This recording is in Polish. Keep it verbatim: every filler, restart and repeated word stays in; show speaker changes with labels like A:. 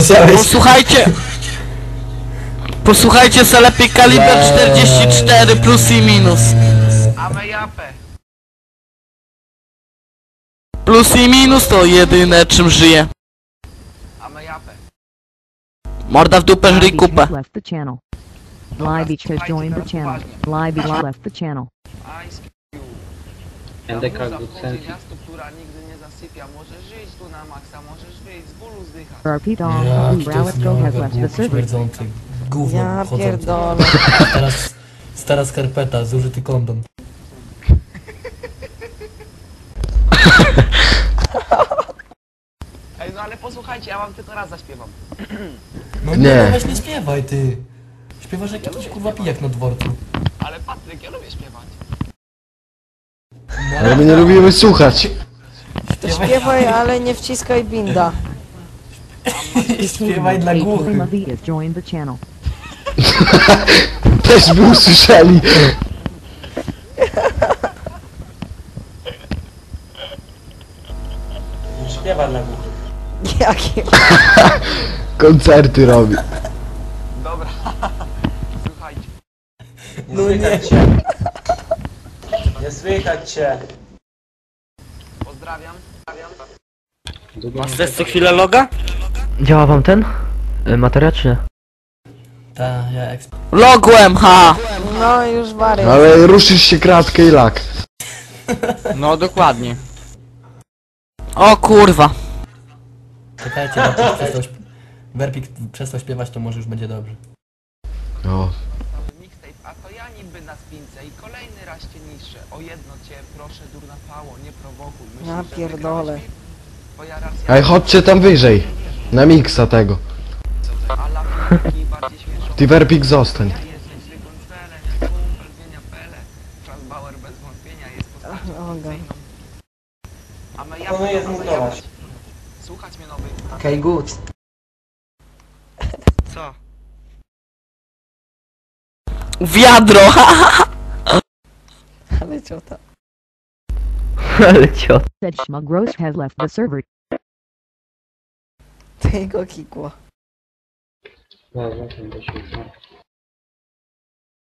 A: chciałeś.
B: Posłuchajcie! Posłuchajcie se lepiej kaliber czterdzieści cztery plus i minus.
C: Ame japę.
B: Plus i minus to jedyne czym żyje.
C: Ame japę.
B: Morda w dupę, żryj kupę.
D: left the channel. Fly Beach has joined the channel. Fly Beach left the channel.
C: Ice Cube.
E: N D K
C: Zaburza
E: Good
C: wchodzi
E: Sense.
C: miasto, która nigdy nie zasypia. Możesz żyć tu na maksa, możesz wyjść z bólu zdychać.
D: R P Dom,
A: Ja,
D: who Browetco has left the
A: głupi,
D: server.
A: śmierdzący, gówno
F: Ja
A: chodzący.
F: pierdolę.
A: Teraz stara skarpeta, zużyty kondom.
C: Ej, no ale posłuchajcie, ja wam tylko raz zaśpiewam.
A: No
G: Nie.
A: nie, no weź nie śpiewaj ty. Śpiewasz jak jakiś kurwa pijak na dworcu.
C: Ale Patryk, ja lubię śpiewać.
A: No,
G: Ale my nie lubimy słuchać.
A: śpiewaj,
F: Śpiewaj, ale nie wciskaj binda.
A: śpiewaj dla
D: A
A: głuchych.
D: Prima V has joined the channel.
G: Też by usłyszeli.
E: Śpiewa dla głuchych.
F: Jakie?
G: Koncerty robi.
C: Dobra. Słuchajcie.
E: Nie no słychać cię. Nie słychać cię.
C: Pozdrawiam.
B: Masz też co chwilę loga?
H: Działa wam ten? Y, Materia czy nie?
A: Ta, ja eksp...
B: Logłem, ha!
F: No już wariat.
G: Ale ruszysz się kratkę i lak.
B: No dokładnie. O kurwa.
A: Czekajcie, Werpik przestał, śp... Werpik przestał śpiewać, to może już będzie dobrze.
G: O.
C: Mixtape, a to ja niby na spince i kolejny raz cię niższe. O jedno cię proszę, durna pało, nie prowokuj. Myślisz,
F: Ja
C: że
F: pierdolę.
C: wygrałeś mi? Twoja racja.
G: Ej, chodźcie tam wyżej. Na miksa tego.
C: A lafiki bardziej śmieszą.
G: Ty Werpik zostań.
C: Ja jesteś zwykłym celem, jak kumpel zmienia pele. Franz Bauer bez wątpienia jest postacią
F: Oga.
C: fikcyjną. A my ja
E: Proponuję
C: będę
E: zmutować.
C: zajebać. Słuchać mnie nowy.
H: Okej, okay, good.
B: Co? Wiadro, ha!
F: Ale ciota.
H: Ale ciot.
D: Said Schmuggross has left the server.
F: Tego kikło.
E: Dobra, to się